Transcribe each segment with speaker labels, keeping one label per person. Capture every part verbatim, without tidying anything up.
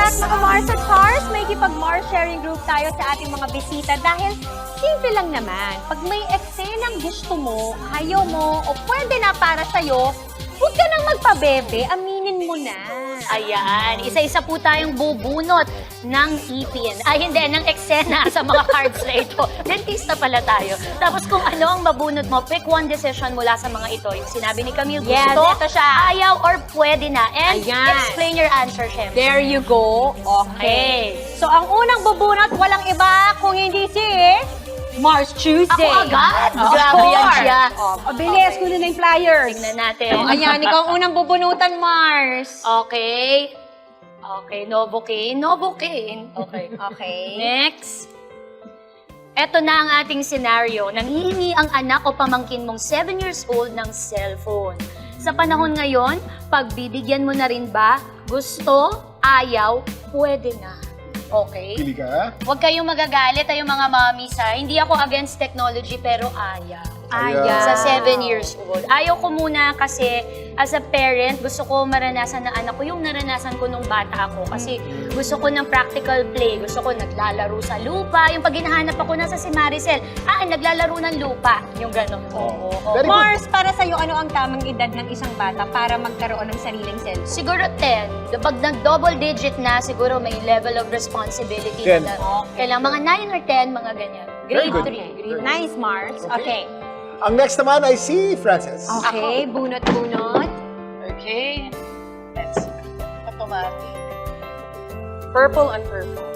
Speaker 1: back mga Mars at Cars. May kipag-Mars sharing group tayo sa ating mga bisita dahil simple lang naman. Pag may eksenang gusto mo, ayaw mo, o pwede na para sa'yo, huwag ka nang magpabebe, aminin mo na.
Speaker 2: Ayan, isa-isa po tayong bubunot ng ipin. Ay, hindi, ng eksena sa mga cards na ito. Dentista pala tayo. Tapos kung ano ang mabunot mo, pick one decision mula sa mga ito. Yung sinabi ni Camille,
Speaker 1: Yes,
Speaker 2: gusto,
Speaker 1: ito siya.
Speaker 2: ayaw, or pwede na. And
Speaker 1: Ayan.
Speaker 2: explain your answer, syempre.
Speaker 1: There you go. Okay. So, ang unang bubunot, walang iba kung hindi si Mars Tuesday.
Speaker 2: Ako agad?
Speaker 1: Of
Speaker 2: Grabe yan
Speaker 1: course.
Speaker 2: siya.
Speaker 1: Oh, bilis, kunin na yung flyers.
Speaker 2: Tingnan natin.
Speaker 1: Oh, ayan, ikaw ang unang bubunutan, Mars.
Speaker 2: Okay. Okay, Novocaine. Novocaine. Okay.
Speaker 1: Okay.
Speaker 2: Next. Ito na ang ating scenario. Nanghihingi ang anak o pamangkin mong seven years old ng cellphone. Sa panahon ngayon, pagbibigyan mo na rin ba? Gusto? Ayaw? Pwede na. Okay?
Speaker 3: Pili ka?
Speaker 2: Huwag kayong magagalit ay yung mga mommies ha. Hindi ako against technology pero ayaw.
Speaker 1: Ayaw.
Speaker 2: Sa seven years old. Ayaw ko muna kasi as a parent, gusto ko maranasan ng anak ko yung naranasan ko nung bata ako. Kasi gusto ko ng practical play. Gusto ko naglalaro sa lupa. Yung pag hinahanap ako nasa si Maricel, ah, naglalaro ng lupa. Yung gano'n. Oo. oo.
Speaker 3: Very good.
Speaker 1: Mars, para sa'yo, ano ang tamang edad ng isang bata para magkaroon ng sariling cellphone?
Speaker 2: Siguro ten. Kapag nag-double digit na, siguro may level of responsibility
Speaker 3: ten.
Speaker 2: na. Kailangan mga nine or ten, mga ganyan.
Speaker 3: Very
Speaker 2: Grade
Speaker 3: good.
Speaker 2: three.
Speaker 1: Okay. Nice, Mars. Okay.
Speaker 3: Ang next naman ay si Frances.
Speaker 1: Okay, bunot-bunot.
Speaker 4: Okay. Let's see. Automatic. Purple and purple.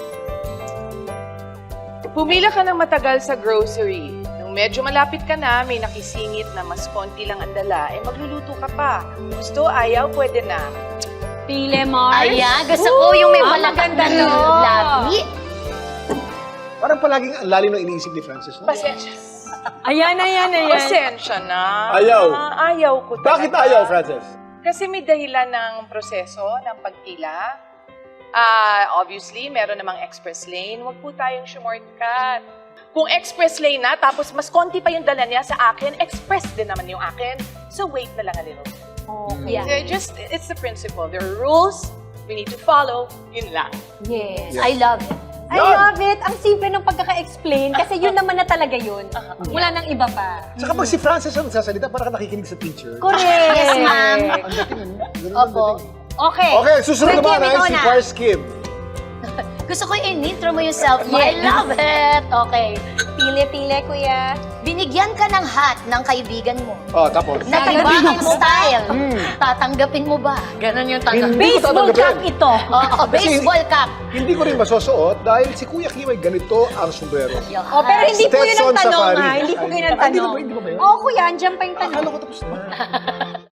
Speaker 4: Pumila ka ng matagal sa grocery. Nung medyo malapit ka na, may nakisingit na mas konti lang ang dala, eh magluluto ka pa. Gusto, ayaw, pwede na.
Speaker 1: Pile, Mars.
Speaker 2: Ayan, gusto ko yung may
Speaker 1: Ang
Speaker 2: malakang
Speaker 1: maganda, no?
Speaker 2: labi.
Speaker 3: Parang palaging ang lalim ng iniisip ni Frances. No?
Speaker 4: Pasensya.
Speaker 1: Ayan, ayan, ayan.
Speaker 4: Pasensya na.
Speaker 3: Ayaw.
Speaker 4: Ah, ayaw ko talaga.
Speaker 3: Bakit ayaw, Frances?
Speaker 4: Kasi may dahilan ng proseso ng pagpila. Ah, obviously, meron namang express lane. Huwag po tayong shortcut. Kung express lane na, tapos mas konti pa yung dala niya sa akin, express din naman yung akin. So wait na lang a little.
Speaker 1: Okay.
Speaker 2: Yeah.
Speaker 4: So, just, it's the principle. There are rules we need to follow. Yun lang.
Speaker 1: Yes.
Speaker 3: Yeah.
Speaker 2: I love it.
Speaker 1: I
Speaker 3: Yan.
Speaker 1: love it. Ang simple ng pagkaka-explain kasi yun naman na talaga yun. Wala nang iba pa.
Speaker 3: Saka pag si Frances ang nagsasalita, parang ka nakikinig sa teacher.
Speaker 1: Correct.
Speaker 2: Yes, ma'am.
Speaker 3: Ang dating, ano? Ganun ang
Speaker 2: Opo.
Speaker 3: dating.
Speaker 1: Okay.
Speaker 3: Okay, susunod
Speaker 1: Sige,
Speaker 3: naman ay
Speaker 1: ikaw
Speaker 3: si
Speaker 1: na.
Speaker 3: Pars Kim.
Speaker 2: Gusto ko in-intro mo yung self mo. I
Speaker 1: Yes.
Speaker 2: love it. Okay.
Speaker 1: Pile-pile, kuya.
Speaker 2: Binigyan ka ng hat ng kaibigan mo.
Speaker 3: Oh, tapos.
Speaker 2: Natatanggapin mo style.
Speaker 3: Hmm.
Speaker 2: Tatanggapin mo ba? Ganon yung tanong.
Speaker 3: Hindi ko
Speaker 1: Baseball cap
Speaker 3: tatanggapin.
Speaker 1: ito.
Speaker 2: Oo, baseball cap.
Speaker 3: Hindi ko rin masusuot dahil si Kuya Kim ay ganito ang sombrero.
Speaker 2: Yan.
Speaker 1: Oh, pero hindi po yun ang
Speaker 3: Stetson
Speaker 1: tanong,
Speaker 3: Safari.
Speaker 1: ha? Hindi po yun ang
Speaker 3: Ah, hindi
Speaker 1: tanong.
Speaker 3: ba- hindi ba ba yun?
Speaker 1: Oo, kuya, andyan pa yung tanong.
Speaker 3: Akala ko tapos na.